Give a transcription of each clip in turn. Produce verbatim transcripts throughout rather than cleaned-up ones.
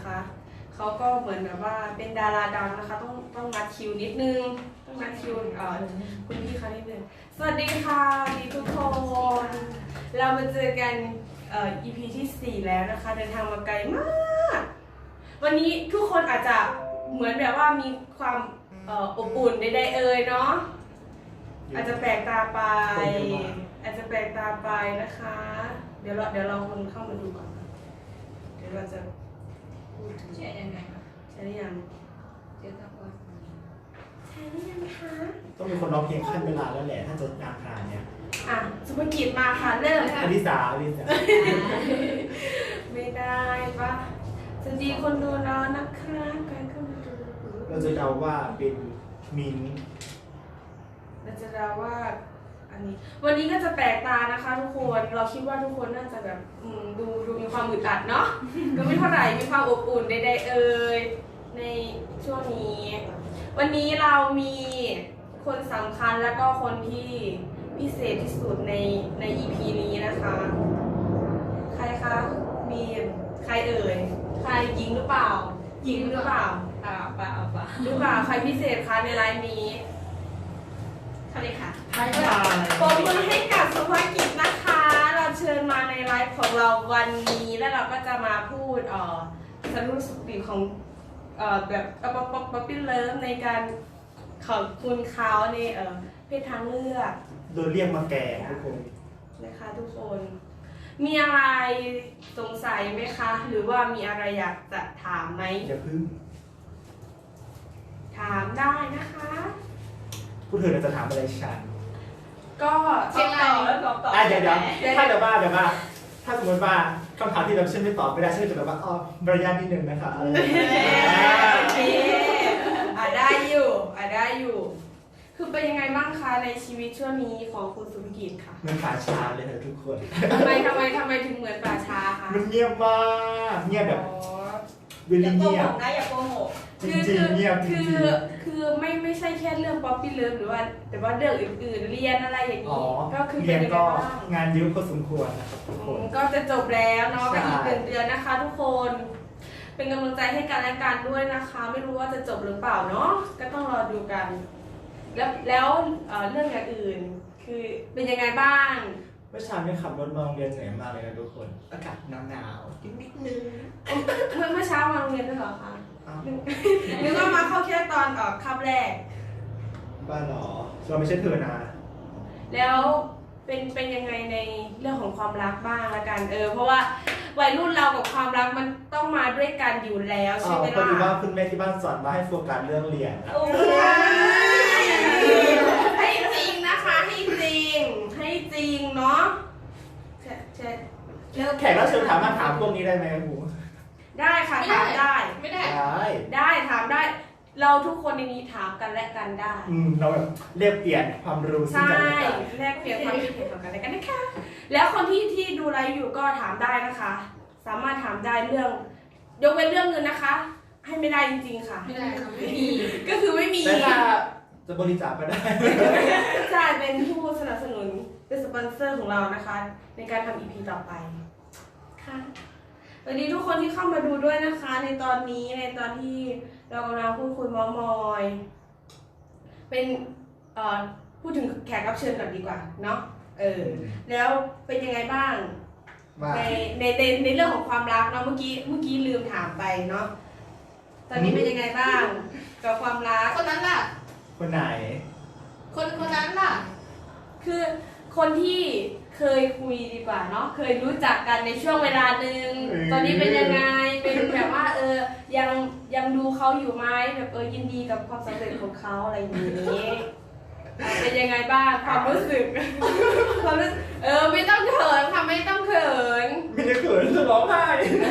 นะคะเขาก็เหมือนแบบว่าเป็นดาราดังนะคะต้องต้องนัดคิวนิดนึงต้องนัดคิวเอ่อคุณพี่เขานิดนึงสวัสดีค่ะดีทุกคนเรามาเจอกันเอ่อ อี พี ที่สี่แล้วนะคะเดินทางมาไกลมากวันนี้ทุกคนอาจจะเหมือนแบบว่ามีความเอ่ออบอุ่นใดๆเอ่ยเนาะอาจจะแปลกตาไปอาจจะแปลกตาไปนะคะเดี๋ยวเราเดี๋ยวเราคนเข้ามาดูก่อนเดี๋ยวเราจะพูดถึงใช่ยังไงคะใช่หรือยังเจอกับว่าใช่หรือยังคะต้องมีคนร้องเพลงขั้นเวลาแล้วแหละถ้าจะงานขนาดเนี้ยอ่ะสุภกิจมาค่ะเริ่มอลิสาอลิสาไม่ได้ปะสวัสดีคนดูเรานะคะใครเข้ามาดูเราจะเดาว่าเป็นมินเราจะเดาว่าอันนี้วันนี้ก็จะแปลกตานะคะทุกคนเราคิดว่าทุกคนน่าจะแบบอืมดูดูมีความอึดอัดเนาะ ก็ไม่เท่าไหร่มีความอบอุ่นใดๆเอ่ยในช่วงนี้ วันนี้เรามีคนสำคัญแล้วก็คนที่พิเศษที่สุดในใน อี พี นี้นะคะ ใครคะบีมใครเอ่ยใครหญิงหรือเปล่าหญิงหรือเปล่าอ่าป่าเอาป่าหรือเปล่าใครพิเศษคะในไลน์นี้เขาเลยค่ะใช่ค่ะปรบมือให้กับสุภกิจนะคะ เราเชิญมาในไลฟ์ของเราวันนี้แล้วเราก็จะมาพูดเอ่อสรุปสุขดีของเอ่อแบบป๊อปป๊อปป๊อปป๊อปปี้เลิฟในการขอบคุณเขาในเอ่อเพศทางเลือกโดนเรียกมาแก่ทุกคนนะคะทุกคน มีอะไรสงสัยไหมคะ หรือว่ามีอะไรอยากจะถามไหมอย่าพึ่งถามได้นะคะผู้เธอจะถามอะไรฉันก็เชียงรายแล้วตอบตอบอ่ะเดี๋ยวเดี๋ยวถ้าเดี๋ยวว่าเดี๋ยวว่าถ้าสมมติว่าคำถามที่เราเชื่อไม่ตอบไม่ได้เชื่อจะแบบว่าอ๋อมารยาทนิดนึงนะคะอะไรอย่างเงี้ยโอเคอ่ะได้อยู่อ่ะได้อยู่ คือเป็นยังไงบ้างคะในชีวิตช่วงนี้ของคุณสุภกิจค่ะเหมันป่าชาเลยเถอะทุกคนทำไมทำไมทำไมถึงเหมือนป่าช้าคะมันเงียบมากเงียบแบบอ๋อเวอลีย่าโกเงียหบกนะอย่าโกหกจริงๆเงียบจคืริอง คือไม่ไม่ใช่แค่เรื่องป๊อปปี้เลิฟหรือว่า แต่ว่าเรื่องอื่นๆเรียนอะไรอย่างๆอ๋อนี้ก็คือเรียนป็ยังไงก็บ้างงานเยอะพอสมควรนะครับทุกคอืนมก็จะจบแล้วเนาะใช่ก็อีกหนึ่งเดือนนะคะ ทุกคน เป็นกำลังใจให้กันและกันด้วยนะคะ ไม่รู้ว่าจะจบหรือเปล่าเนาะก็ต้องรอดูกัน แล้วแล้วเอ่อเรื่องอย่างอื่น คือเป็นยังไงบ้างเมื่อเช้าเนี่ยขับรถมาโรงเรียนเหนื่อยมากเลยนะทุกคน อากาศหนาวๆนิดนึงเมื่อเมื่อเช้ามาโรงเรียนด้วยเหรอคะอ้าวนึกว่ามาเข้าแค่ตอนเอ่อคาบแรกบ้าเหรอเราไม่ใช่เธอนะแล้วเป็นเป็นยังไงในเรื่องของความรักบ้างละกันเออเพราะว่าวัยรุ่นเรากับความรักมันต้องมาด้วยกันอยู่แล้วอ๋ใช่อไหมพอดีว่าล่ะคุณแม่ที่บ้านสอนมาให้โฟกัสเรื่องเรียนนะโอ้ยให้จริงนะคะให้จริงให้จริงเนาะใช่ใช่เลิกแขกรับเชิญถามมาถามพวกนี้ได้ไหมครับหมูได้ค่ะถามได้ไม่ได้ได้ได้ถามได้ เราทุกคนในนี้ถามกันและกันได้อืมเราแบบเรียกเปลี่ยนความรู้ซึ่งใช่กันและกันแลกเปลี่ยนความคิดเห็นของกันและกันนะคะ แล้วคนที่ที่ดูไลฟ์อยู่ก็ถามได้นะคะ สามารถถามได้เรื่อง ยกเว้นเรื่องเงินนะคะ ให้ไม่ได้จริงๆค่ะไม่ได้ค่ะไม่มีก็คือไม่มีแต่ถ้าจะบริจาคก็ได้ใช่เป็นผู้สนับสนุนเป็นสปอนเซอร์ของเรานะคะ ในการทำ อี พี ต่อไปค่ะสวัสดีทุกคนที่เข้ามาดูด้วยนะคะ ในตอนนี้ในตอนที่เรากำลังพูดคุยเมอมอย เป็นเอ่อพูดถึงแขกรับเชิญก่อนดีกว่าเนาะเออแล้วเป็นยังไงบ้างว่าในในในในเรื่องของความรักเนาะเมื่อกี้เมื่อกี้ลืมถามไปเนาะตอนนี้เป็นยังไงบ้างกับความรักคนนั้นล่ะคนไหนคนคนนั้นล่ะคือคนที่เคยคุยดีกว่าเนาะเคยรู้จักกันในช่วงเวลาหนึ่งเออตอนนี้เป็นยังไงเป็นแบบว่าเออยังยังดูเขาอยู่ไหมแบบเออยินดีกับความสำเร็จของเขาอะไรอย่างนี้เป็นยังไงบ้างความรู้สึก ความรู้สึกเออไม่ต้องเขินค่ะไม่ต้องเขินไม่ได้เขินจะร้องไห้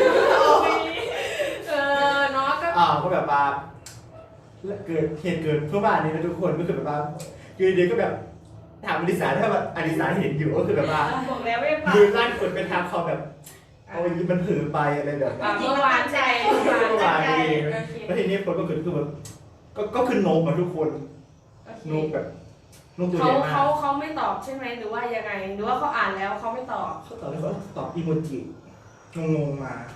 เออเนาะก็อ่าวก็แบบว่าเกิดเหตุเกิดเพื่อบ้านนี้นะทุกคนก็คือแบบว่าคือเดียวก็แบบถามอลิสาถ้าแบบอลิสาเห็นอยู่ก็คือแบบว่าบอกแล้วไม่ฟังมือลั่นกดเป็นทางคอแบบเอาอย่างนี้มันเผือไปอะไรแบบอ่ะนี้เมื่อวานใจเมื่อวานเมื่อวานใจเองโอเคแล้วทีนี้คนก็คือคือแบบก็ก็คือโนมมาทุกคนโอเคโนมแบบโนมตัวใหเขาญ่มากเขาเขาไม่ตอบใช่ไหมหรือว่ายังไงหรือว่าเขาอ่านแล้วเขาไม่ตอบเขาตอบเลยว่าตอบอีโมจิงงๆมาโ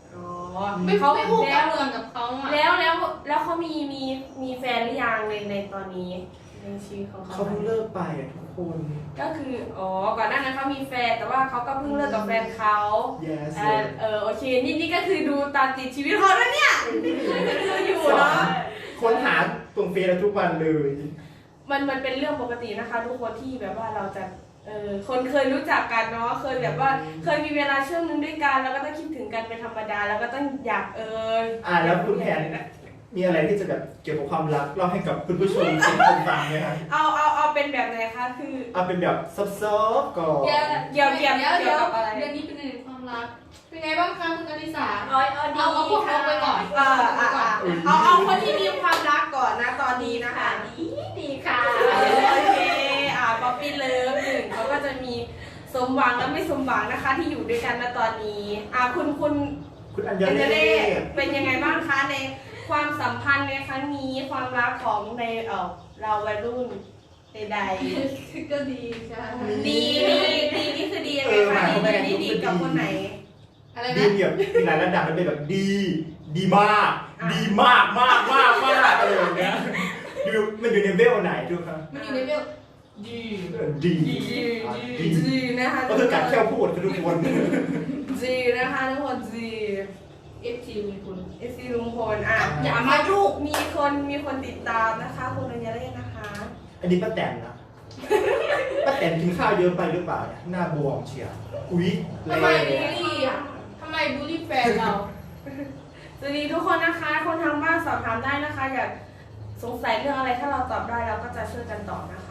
อ๋อไม่เขาไม่พูดแล้กับวเมืองกับเขาอ่ะแล้วแล้วแล้วเขามีมีมีแฟนหรือยังในในตอนนี้ในชีวิตของเขาเขาเพิ่งเลิกไปอะทุกคนก็คืออ๋อก่อนหน้านั้นเขามีแฟนแต่ว่าเขาก็เพิ่งเลิกกับแฟนเขา yes เออเออโอเคนี่นี่ก็คือดูตามติดชีวิตเขาแล้วเนี่ยดูอยู่เนาะค้นหาตรงเฟซทุกวันเลยมันมันเป็นเรื่องปกตินะคะ ทุกคนที่แบบว่าเราจะเออคนเคยรู้จักกันเนาะเคยแบบว่าเคยมีเวลาช่วงนึงด้วยกันแล้วก็ต้องคิดถึงกันเป็นธรรมดาแล้วก็ต้องอยากเอออ่าแล้วคุณแพนมีอะไรที่จะแบบเกี่ยวกับความรักเล่าให้กับคุณผู้ชมเป็นคนฟังไหมคะเอาเอาเอาเป็นแบบไหนคะคือเอาเป็นแบบซอฟๆก่อนเดี๋ยวเกี่ยวเกี่ยวเดี๋ยวเกี่ยวกับอะไรเรื่องนี้เป็นเรื่องความรัก เป็นไงบ้างคะคุณอลิสาเอาเอาดีเอาเอาพวกเขาไปก่อนเอออ่ะอ่ะเอาเอาคนที่มีความรักก่อนนะตอนนี้นะคะดีดีค่ะเออโอเคอ่ะป๊อปปี้เลิฟหนึ่งเขาก็จะมีสมหวังและไม่สมหวังนะคะ ที่อยู่ด้วยกันณตอนนี้อ่ะคุณคุณคุณอัญเอญาเจเล่เล่เป็นยังไงบ้างคะในความสัมพันธ์ในครั้งนี้ความรักของในเออเราวัยรุ่นใดก็ดีค่ะๆดีดีดีนี่คือดียังไงคะดีดีดีกับคนไหนอะไรดีนะแบบมีหลายระดับมันเป็นแบบดี ดีมาก ดีมากมากมากมากอะไรอย่างเงี้ยอยู่มันอยู่ในเวลไหนดูครับมันอยู่ในเวลดีเออดีดีอ่ะดีดีนะคะก็คือกัดแค่พูดคือทุกคนดีนะคะทุกคนดีเอฟทีมีคุณเอซีลุงพลอ่ะอย่ามายุ่งมีคนมีคนติดตามนะคะคุณอัญญาเล่นะคะอันนี้ป้าแตนนะป้าแตนกินข้าวเยอะไปหรือเปล่าเนี่ยหน้าบวมเชียวอุ๊ยทำไมแรบูลงลี่อ่ะทำไมบูลลี่แฟนเราสวัสดีทุกคนนะคะ คนทางบ้านสอบถามได้นะคะ อยากสงสัยเรื่องอะไรถ้าเราตอบได้เราก็จะช่วยกันตอบนะคะ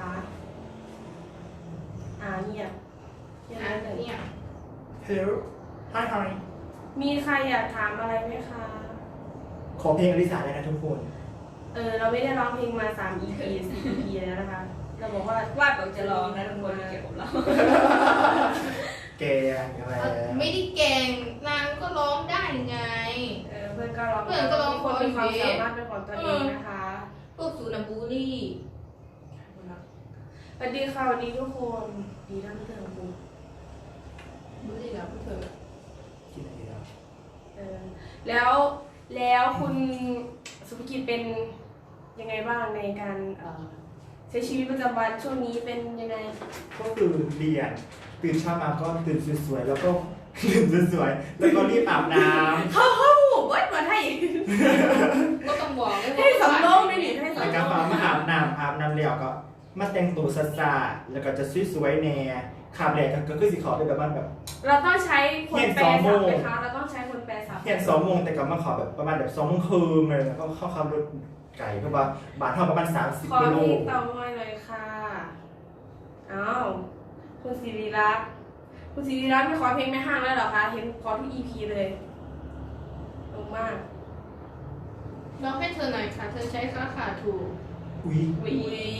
อ่าเงียบเงียบอ่ะนิดหนึ่งเนี่ยเฮลไฮไฮมีใครอยากถามอะไรไหมคะขอเพลงอลิสาเลยนะทุกคนเออเราไม่ได้ร้องเพลงมาสาม อี พี สี่ อี พี แล้วนะคะ เราบอกว่าว่าบอกจะร้องนะทุกคนเกี่ยวกับเราแกงอะไรไม่ได้เก่งนางก็ร้องได้ไงเออเพื่อนก็ร้องเพื่อนก็ร้องทุคนมีความขออยู่สามารถเป็นของตัวเองนะคะพวกสูนะบูลลี่สวัสดีค่ะสวัสดีทุกคนดีทั้งเรื่องคุณบูลลี่กับพวกเธอกินอะไรแล้วเออแล้วแล้วคุณสุภกิจเป็นยังไงบ้างในการเอ่อใช้ชีวิตประจำวันช่วงนี้เป็นยังไงก็คือเรียนตื่นเช้ามาก็ตื่นสวยๆแล้วก็ ตื่นสวยๆแล้วก็รีบอาบน้เข้าเข้าเบิดมาให้ก็ต้องบอกด้วยให้สำรองไม่หนีให้ำสำแล้วรก็องมามาอาบน้ำอาบน้ำแล้วก็มาแต่งตัวซาๆแล้วก็จะสวยๆแน่ขาบแหลกก็คือสีขาวเป็นแบบมันแบบเราต้องใช้คนแปลเที่ศัยพงท์สองโมงไหมคะเราต้องใช้คนแปลศัพท์เที่ยงสองโมงแต่ก็มาขอแบบประมาณแบบสองโมงครึ่งเลยแล้วก็เข้าขับรถไก่ก็ว่าบาทเท่าประมาณสามสิบขอกิโลเพลงเต่าง้อยเลยค่ะอ้าวคุณศิริรักษ์คุณศิริรักษ์ไม่ขอเพลงไม่ห้างแล้วเหรอคะเห็นขอทุก อี พี เลยตรงมากร้องให้เธอหน่อยค่ะ เธอใช้ค่าขาถูกอุ้ยวิ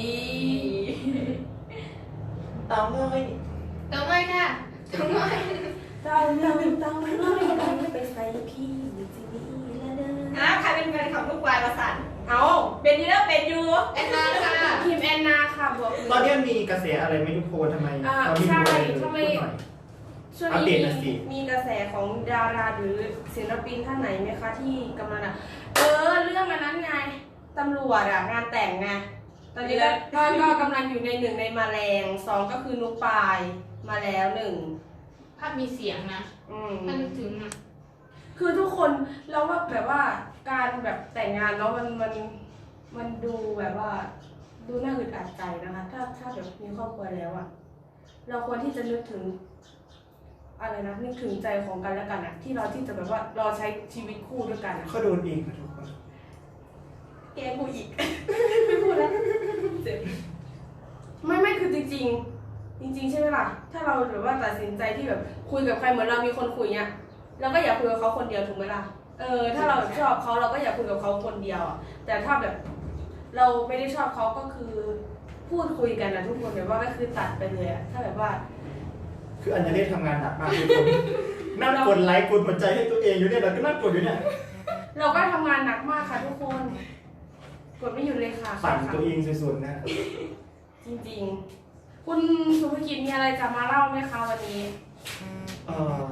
เตาเลยเติมเลยค่ะเติมเลยเต่าเราเต่าน้อยเราไปใส่พี่จีนีละเด้ออ่ะใครเป็นแฟนคลับลูกวายประสันเอาเป็นอยูแล้วเป็นอยูแอนนาค่ะทีมแอนนาค่ะบอกตอนนี้มีกระแสอะไรไม่รู้โพทำไมอ่าเราไม่ใช่รู้อะไรเลยทำไมพูดหน่อยช่วงอัปเดนี้ตหน่อยสิมีมีกระแสของดาราหรือศิลปินท่านไหนไหมคะที่กำลังอ่ะเออเรื่องอันนั้นไงตำรวจอ่ะงานแต่งไงตอนนี้ก็ก็ก็กำลังอยู่ในหนึ่งในมาแรงสองก็คือนุกปายมาแล้วหนึ่งภาพมีเสียงนะอืมถ้านึกถึงนะคือทุกคนเราว่าแบบว่าการแบบแต่งงานแล้วมันมันมันดูแบบว่า ดูน่าอึดอัดใจนะคะ ถ้าถ้าแบบมีครอบครัวแล้วอะเราควรที่จะนึกถึง อะไรนะนึกถึงใจของกันและกันอะที่เราที่จะแบบว่าเราใช้ชีวิตคู่ด้วยกันอะเขาโดนเองค่ะทุกคนแกกูอีก ไม่พูดแล้วเจ็บไม่ไม่คือจริง ๆ จริง ๆ ใช่ไหมล่ะ ถ้าเราแบบว่าตัดสินใจที่แบบคุยกับใครเหมือนเรามีคนคุยเนี่ยเราก็อยากคุยกับเขาคนเดียวถูกไหมล่ะเออถ้าเราชอบเขาเราก็อยากคุยกับเขาคนเดียวอะแต่ถ้าแบบ เราไม่ได้ชอบเขาก็คือพูดคุยกันนะทุกคนแบบว่าก็คือตัดไปเลยอะถ้าแบบว่าคืออัญญาเล่ทำงานหนักมากทุกคนนั่งกดไลค์กดหัวใจให้ตัวเองอยู่เนี่ยเราก็นั่งกดอยู่เนี่ยเราก็ทำงานหนักมากค่ะทุกคน กดไม่หยุดเลยค่ะปั่นค่ะตัวเองสุดๆนะจริงๆ คุณสุภกิจมีอะไรจะมาเล่าไหมคะวันนี้เออ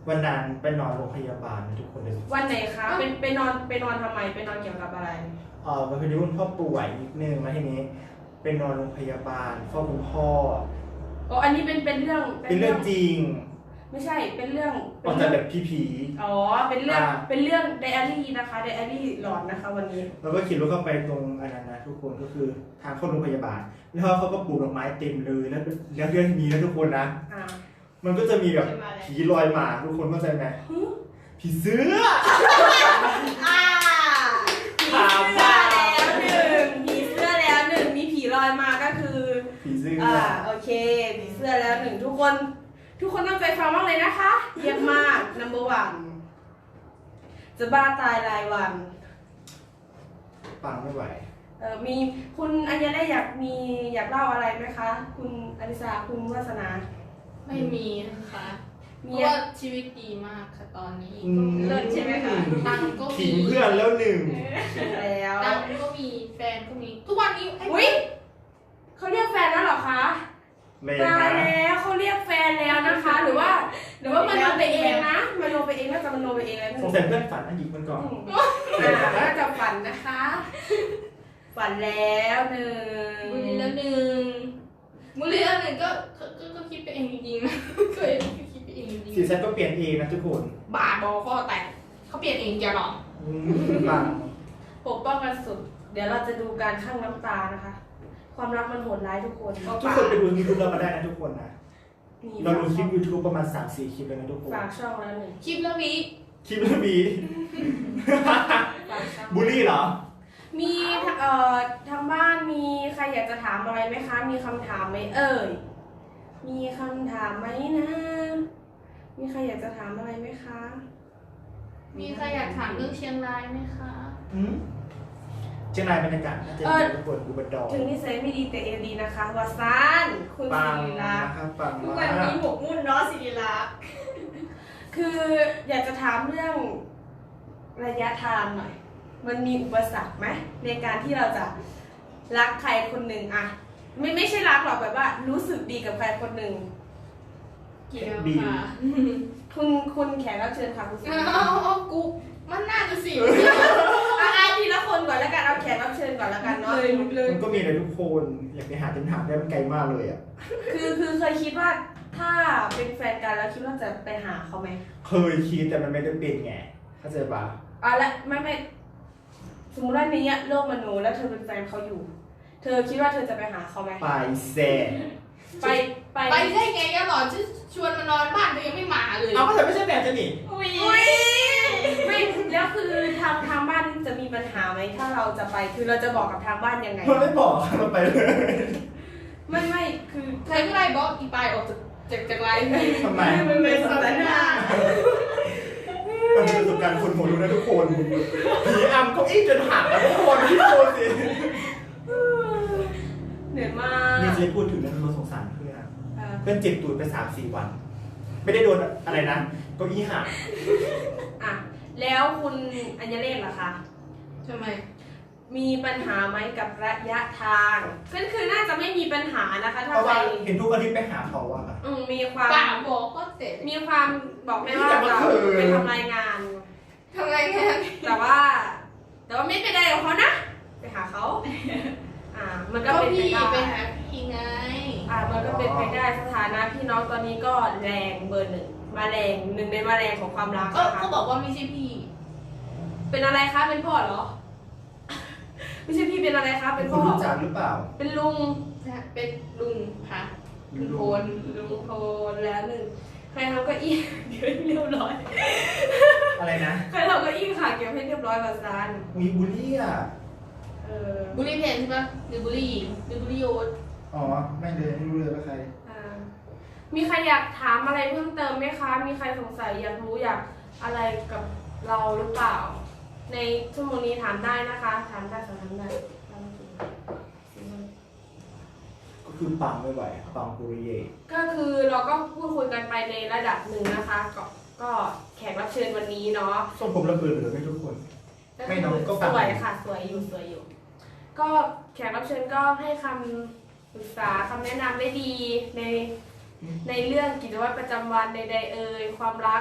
วันนั้นไปนอนโรงพยาบาลนะทุกคนเลยวันไหนคะเป็นไปนอนไปนอนทำไมไปนอนเกี่ยวกับอะไรเออวันนี้คุณพ่อป่วยนิดนึงมาทีนี้ไปนอนโรงพยาบาลเฝ้าคุณพ่ออ๋ออันนี้เป็นเป็นเรื่องเป็นเรื่องจริงไม่ใช่เป็นเรื่องออกจากแบบผีผีอ๋อเป็นเรื่องอ่าเป็นเรื่องไดอารี่นะคะไดอารี่หลอนนะคะวันนี้แล้วก็ขี่รถเข้าไปตรงอันนั้นนะทุกคนก็คือทางเข้าโรงพยาบาล แล้วเขาก็ปลูกดอกไม้เต็มเลยแล้วแล้วเรื่องนี้นะทุกคนนะอ่ามันก็จะมีแบบผีลอยมาทุกคนเข้าใจไหมผีเสื้ออ่าผีเสื้อแล้วหนึ่งผีเสื้อแล้วหนึ่งมีผีลอยมาก็คือผีเสื้ออ่าโอเคผีเสื้อแล้วหนึ่งทุกคน ทุกคนตั้งใจฟังมากเลยนะคะเยี่ยมมาก number one จะบ้าตายรายวันปังไม่ไหวเออมีคุณอัญญาได้อยากมีอยากเล่าอะไรไหมคะ คุณอลิสาคุณวาสนาไม่มีนะคะเพมีราะว่าชีวิตดีมากค่ะตอนนี้อืมเลิศใช่ไหมคะตังค์ก็มีทิ้งเพื่อนแล้วหนึ่งแล้วตังค์ก็มีแฟนก็มีทุกวันนี้ไอ้อุ้ยเขาเรียกแฟนแล้วเหรอคะเลยตายนะแล้วเขาเรียกแฟนแล้วนะคะ หรือว่า หรือว่ามโนไปเองนะมโนไปเองน่าจะมโนไปเองแล้วสงสัยเพื่อนฝันนะหยิบมันก่อนอืมอ่าน่าจะฝันนะคะ ฝันแล้วหนึ่งบุรีแล้วหนึ่งบุรีแล้วหนึ่งก็ก็ก็ก็คิดไปเองจริงๆนะเคยคิดไปเองจริงสีเซ็ตก็เปลี่ยนเองนะทุกคนๆบาดบอข้อแตกเขาเปลี่ยนเองแกหรออืมปังปกป้องกันสุด เดี๋ยวเราจะดูการข้างน้ำตานะคะ ความรักมันโหดร้ายทุกคนทุกคนไปดูยูทูบเรามาได้นะทุกคนนะนี่เราดูคลิป YouTube ประมาณ สามสี่ คลิปเลยนะทุกคนฝากช่องแล้วหนึ่งคลิปแล้ววีคลิปแล้วมีฝากช่องบูลลี่เหรอมีเอ่อทางบ้านมีใครอยากจะถามอะไรไหมคะ มีคำถามไหมเอ่ย มีคำถามไหมนะ มีใครอยากจะถามอะไรไหมคะมีใครอยากถามเรื่องเชียงรายไหมคะอืมเชียงรายบรรยากาศน่าจะดีทุกคนอุบลดอกถึงนิสัยไม่ดีแต่เอวดีนะคะวาซาน คุณปังศิริรักษ์นะครับปังทุกมาวันนี้กหมกมุ่นเนาะศิริลักษณ์คืออยากจะถามเรื่องระยะทางหน่อย มันมีอุปสรรคไหมในการที่เราจะรักใครคนหนึ่งอะไม่ไม่ใช่รักหรอกแบบว่า รู้สึกดีกับใครคนหนึ่งเกี่ยวค่ะคุณคุณแขกรับเชิญค่ะคุณศิริเอาเอาเอากูมันน่าจะสิอ่ะอ่ะทีละคนก่อนแล้วกันเอาแขกรับเชิญก่อนแล้วกันเนาะมันก็มีอะไรทุกคนอยากไปหาเต็มถามได้มันไกลมากเลยอ่ะคือคือเคยคิดว่าถ้าเป็นแฟนกันแล้วคิดว่าจะไปหาเขาไหมเคยคิดแต่มันไม่ได้เป็นไงเข้าใจปะอ่ะแล้วไม่ไม่สมมติว่าในเนี้ยโลกมนุษย์แล้วเธอเป็นแฟนเขาอยู่ เธอคิดว่าเธอจะไปหาเขาไหมไปแซ่ไปไปไปได้ไงอะหรอจะชวนมานอนบ้านตัวยังไม่มาเลยเอาก็แต่ไม่ใช่แบบจะหนิอุ้ยอุ้ยไม่แล้วคือทางทางบ้านจะมีปัญหาไหมถ้าเราจะไปคือเราจะบอกกับทางบ้านยังไงมันไม่บอกเราไปเลยไม่ไม่คือใครก็ไล่บล็อกอีปายออกจากจากจากไลน์เลยทำไมมันเป็นสถานะมันเป็นประสบการณ์คนหัวรู้นะทุกคนผีอำเก้าอี้จนหักแล้วทุกคนที่โดนสิเหนื่อยมากนี่จะพูดถึงเรื่องรถสงสารเพื่อนเออเพื่อนเจ็บตูดไปสามสี่วัน ไม่ได้โดนอะไรนะเก้าอี้หักอ่ะแล้วคุณอัญญเลศล่ะคะทำไมมีปัญหาไหมกับระยะทางก็คือน่าจะไม่มีปัญหานะคะเพถ้าราะใครว่าเห็นทุกอาทิตย์ไปหาเขาอะอืมมีความป่าบอกก็เสร็จมีความบอกแม่ว่าแต่ว่าเราคือไปทำรายงานทำไงแค่แต่ว่า แต่ว่าไม่เป็นไรกับเขานะ ไปหาเขาอ่า มันก็ก็เป็นไปพี่ได้ไปหาพี่ไงอ่า มันก็เป็นไปได้สถานะพี่น้องตอนนี้ก็แรงเบอร์หนึ่งมาแรงหนึ่งในมาแรงของความรักก็นะคะก็บอกว่าไม่ใช่พี่เป็นอะไรคะเป็นพ่อเหรอ ไม่ใช่พี่เป็นอะไรคะเป็เป็น นคพ่นอรู้จักหรือเปล่าเป็นลุงเป็นลุงค่ะลุงโพนลุงโทนแล้วหนึ่งใครทำเก็อี้ เก็บให้เรียบร้อยอะไรนะใครทำเก็อี้ค่ะเก็บให้เรียบร้อยกับซานมีบูลลี่อ่ะเออบุรีเพนใช่ปะหรือบุรีหญิงหรือบุรีโยนอ๋อ ไม่เลยไม่รู้เลยว่าใครอ่ามีใครอยากถามอะไรเพิ่มเติมไหมคะ มีใครสงสัยอยากรู้อยากอะไรกับเราหรือเปล่า ในชั่วโมงนี้ถามได้นะคะ ถามได้สอบถามได้ก็คือปังไม่ไหวปังปุริเย่ก็คือเราก็พูดคุยกันไปในระดับหนึ่งนะคะ ก็ก็แขกรับเชิญวันนี้เนาะส่งผมระเบิดเหลือไม่ทุกคน ไม่น้องก็สฟังวยค่ะสวยอยู่สวยอยู่ ก็แขกรับเชิญก็ให้คำปรึกษาคำแนะนำได้ดีในในเรื่องกิจวัตรประจำวันใดๆเอ่ยความรัก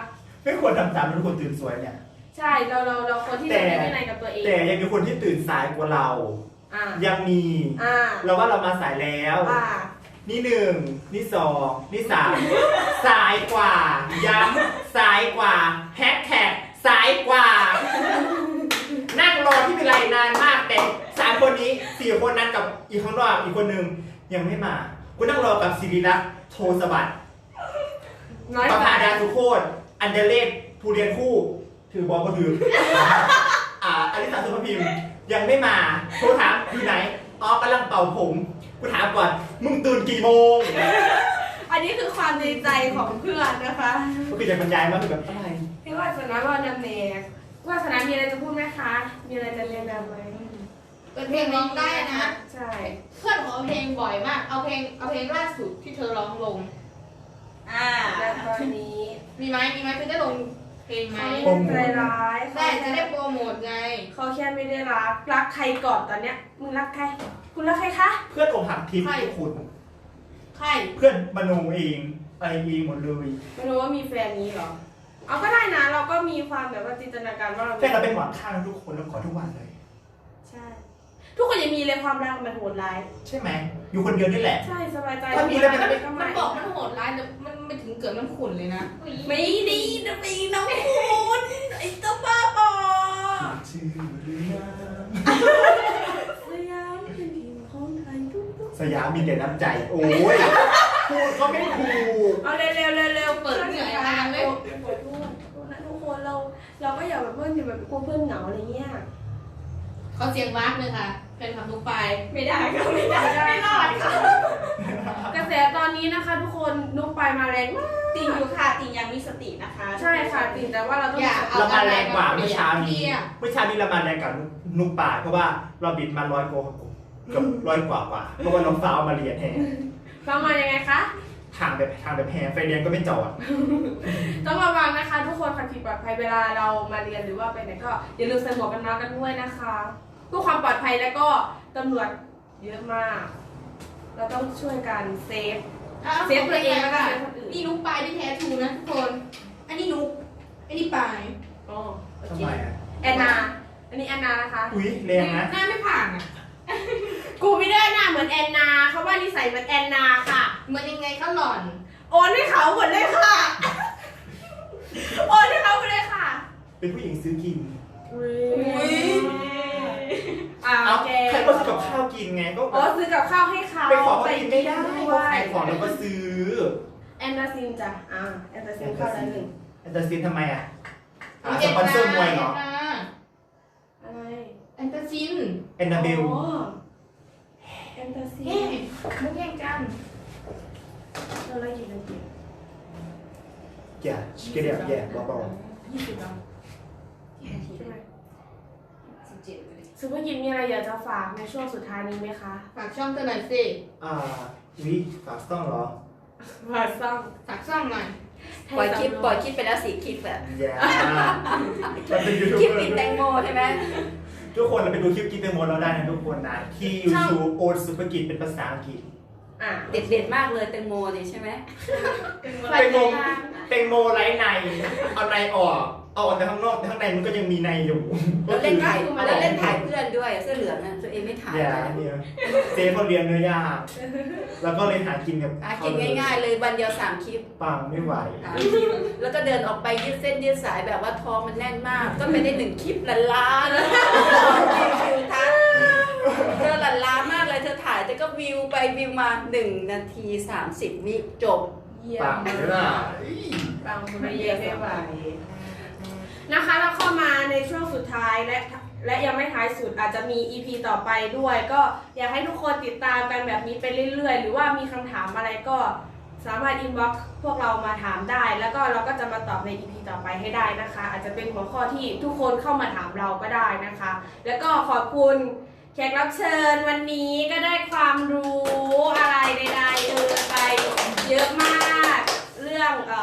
ไม่ควรทำตามทุกคนตื่นสวยเนี่ยใช่เราเราเราคนที่แต่จะมีวินัยกับตัวเองแต่ยังมีคนที่ตื่นสายกว่าเราอ่ายังมีอ่าเราว่าเรามาสายแล้วอ่านี่หนึ่งนี่สองนี่สามสายกว่า ย้ำสายกว่าแฮชแท็กสายกว่า นั่งรอที่วิไลนานมากแต่สามคนนี้สี่คนนั้นกับอีกข้างนอกอีกคนหนึ่งยังไม่มากูนั่งรอกับศิริรักษ์โทสวัสดิ์น้อยประไปภาดาสุโคตรอันเดเลศผู้เรียนคู่ ถือบอลก็ถือ อ่าอลิสาสุภพิมพ์ยังไม่มาโทรถามอยู่ไหนอ๋อกำลังเป่าผมกูถามก่อนมึงตื่นกี่โมงอันนี้คือความในใจของเพื่อนนะคะก็คือจะบรรยายมาคือแบบอะไรพี่ว่าสนะว่านำเนกว่าสนะมีอะไรจะพูดไหมคะ มีอะไรจะเรียนแบบไหมเปิดเพลงร้องได้นะใช่เพื่อนขอเพลงบ่อยมาก เอาเพลงเอาเพลงล่าสุดที่เธอร้องลงอ่าและตอนนี้มีไหมมีไหมเธอได้ลงเพลงไหมเขาไม่ได้ใจร้ายได้จะได้โปรโมทไงเขาแค่ไม่ได้รัก รักใครก่อนตอนเนี้ย มึงรักใคร คุณรักใครคะเพื่อนอกหักทิพย์ใครทุกคนใครเพื่อนมโนเองอะไรเองหมดเลยไม่รู้ว่ามีแฟนนี้เหรอ เอาก็ได้นะ เราก็มีความแบบว่าจินตนาการว่าเราแฟนเราเป็นหมอนข้างทุกคนแล้วขอทุกวันเลยใช่ ทุกคนยังมีเลยความรักมันโหดร้ายใช่ไหมอยู่คนเดียวนี่แหละใช่สบายใจถ้ามีแล้วมันก็มันไม่บอกมันโหดร้ายแต่มันไม่ถึงเกิดมันขุ่นเลยนะไม่ดีนะปีน้องคุณไอ้ตัวบ้าบอชื่อหรือยังสยามเป็นทีมของไทยทุกสยามมีแต่น้ำใจ โอ้ยพูดก็ไม่ถูกๆเอาเร็วเร็วเร็วเร็วเปิดเหนื่อยอ่านเลยขอโทษขอโทษนะทุกคนเราเราก็อย่าแบบเพื่อนอย่าแบบกลัวเพื่อนเหงาอะไรเงี้ยเขาเสียงวากเลยค่ะ เป็นคำทุกไปไม่ได้ก็ไม่ได้ไม่รอดค่ะกระแสตอนนี้นะคะ ทุกคนนุกไปมาแรงมากติงอยู่ค่ะติงยังมีสตินะคะใช่ค่ะจริงแต่ว่าเราต้องอย่าเรามาแรงกว่าเมื่อเช้าเปรีนี้ยบเมื่อเช้านี้เรามาแรงกว่านุกป่าเพราะว่าเราบิดมาร้อยกว่าเกือบร้อยกว่ากว่าเพราะว่าน้องฟ้าเอามาเรียนแทนฟังมายังไงคะทางแบบทางแบบแพงไฟเรียนก็ไม่จอดต้องระวังนะคะ ทุกคนขับขี่ปลอดภัยเวลาเรามาเรียนหรือว่าไปไหนก็อย่าลืมใส่หมวกกันน็อกกันด้วยนะคะเพื่อความปลอดภัยแล้วก็ตำรวจเยอะมาก เราต้องช่วยกันเซฟอ่ะเซฟตัวเองแล้วก็เซฟคนอื่นนี่นุกปลายที่แท้ทรูนะทุกคน อันนี้นุกอันนี้ปลายอ๋อโอทำเคไมอ่ะแอนนา อันนี้แอนนานะคะอุ้ยแรงนะหน้าไม่ผ่านอ่ะกูไม่ได้หน้าเหมือนแอนนาเขาว่านิสัยเหมือนแอนนาค่ะเหมือนยังไงก็หล่อนโอนให้เขาหมดเลยค่ะ โอนให้เขาหมดเลยค่ะเป็นผู้หญิงซื้อกินอุ้ยยอ่าเอาแกใครก็ซื้อกับข้าวกินไงก็อ๋อซื้อกับข้าวให้เขาไปขอเขากินไม่ได้ด้ก็วยขายของแล้วก็ซื้อแอนนาซินจ้ะอ่าแอนนาซินเข้าแล้วหนึ่งแอนตาซินทำไมอ่ะอ่าสปอนเซอร์มวยเหรออะไรแอนตาซินแอนนาเบลอ๋อแอนนาซินเฮ้ยมุกแย่งกันเราไล่กี่นาทีอย่าชิคกี้พายแย่เบายี่สิบแล้วใช่ไหมสิบเจ็ดเลยซูเปอร์ยิมมีอะไรอยากจะฝากในช่วงสุดท้ายนี้ไหมคะฝากช่องเธอหน่อยสิๆอ่าวิฝากต้องเหรอฝากซ่องฝากช่องหน่อยปล่อยคลิปปล่อยคลิปไปแล้วสี่คลิปอะอย่ามันเป็นยูทูบคลิปเบอปิดแตงร์โมใช่ไหมทุกคนเราไปดูคลิปกินเตอร์โมเราได้นะทุกคนนะที่ YouTube โอ๊ตสุภกิจเป็นภาษาอังกฤษอ่ะเด็ดเด็ดๆมากเลยแตงโมนี่ใช่ไหมแตงโมแตงโมไร้ในเอาในออกเอาออกแต่ข้างนอกแต่ข้างในมันก็ยังมีในอยู่แล้วเล่นถ่ายแล้วเล่นถ่ายเพื่อนด้วยเสื้อเหลืองอ่ะตัวเองไม่ถ่ายอย่าเนี่ยเจ๊เขาเรียนเนื้อย่างแล้วก็เลยหากินกับหากินง่ายๆเลยวันเดียวสามคลิปปังไม่ไหวสามคลิปแล้วก็เดินออกไปยืดเส้นยืดสายแบบว่าท้องมันแน่นมาก ก็ไม่ได้หนึ่งคลิปลันล้าแล้วคิวทัศน์เธอลันล้ามากเลยเธอถ่ายแต่ก็วิวไปวิวมาหนึ่งนาทีสามสิบวิจบเยี่ยปังมเลยล่ะบางคนไม่เยี่ยมไม่ไหวนะคะเราเข้ามาในช่วงสุดท้ายและและยังไม่ท้ายสุดอาจจะมี อี พี ต่อไปด้วย ก็อยากให้ทุกคนติดตามกันแบบนี้ไปเรื่อยๆ หรือว่ามีคำถามอะไรก็สามารถอินบ็อกซ์พวกเรามาถามได้ แล้วก็เราก็จะมาตอบใน อี พี ต่อไปให้ได้นะคะ อาจจะเป็นหัวข้อที่ทุกคนเข้ามาถามเราก็ได้นะคะ แล้วก็ขอบคุณแขกรับเชิญวันนี้ก็ได้ความรู้อะไรใดๆเออไปเยอะมากเรื่องเอ่อ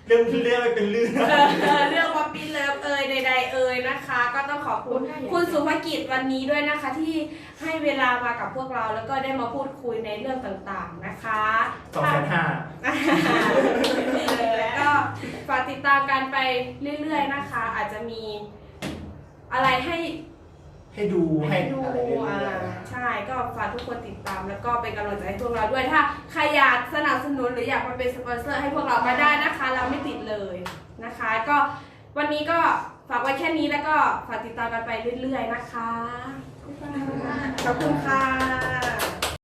เรื่องเรื่องไม่เป็นเรื่องเออเรื่องป๊อปปี้เลิฟเอ่ยใดๆเอ่ยนะคะ ก็ต้องขอบคุณคุณสุภกิจวันนี้ด้วยนะคะ ที่ให้เวลามากับพวกเราแล้วก็ได้มาพูดคุยในเรื่องต่างๆนะคะสองแสนห้าเออก็ฝากติดตามกันไปเรื่อยๆนะคะ อาจจะมีอะไรให้ให้ดูให้ให้ดูอะไรเรื่อยอ่าใช่ก็ฝากทุกคนติดตามแล้วก็เป็นกำลังใจให้พวกเราด้วยถ้าใครอยากสนับสนุนหรืออยากมาเป็นสปอนเซอร์ให้พวกเรามาได้นะคะ เราไม่ติดเลยนะคะ ก็วันนี้ก็ฝากไว้แค่นี้แล้วก็ฝากติดตามกันไปเรื่อยๆนะคะขอบคุณค่ะ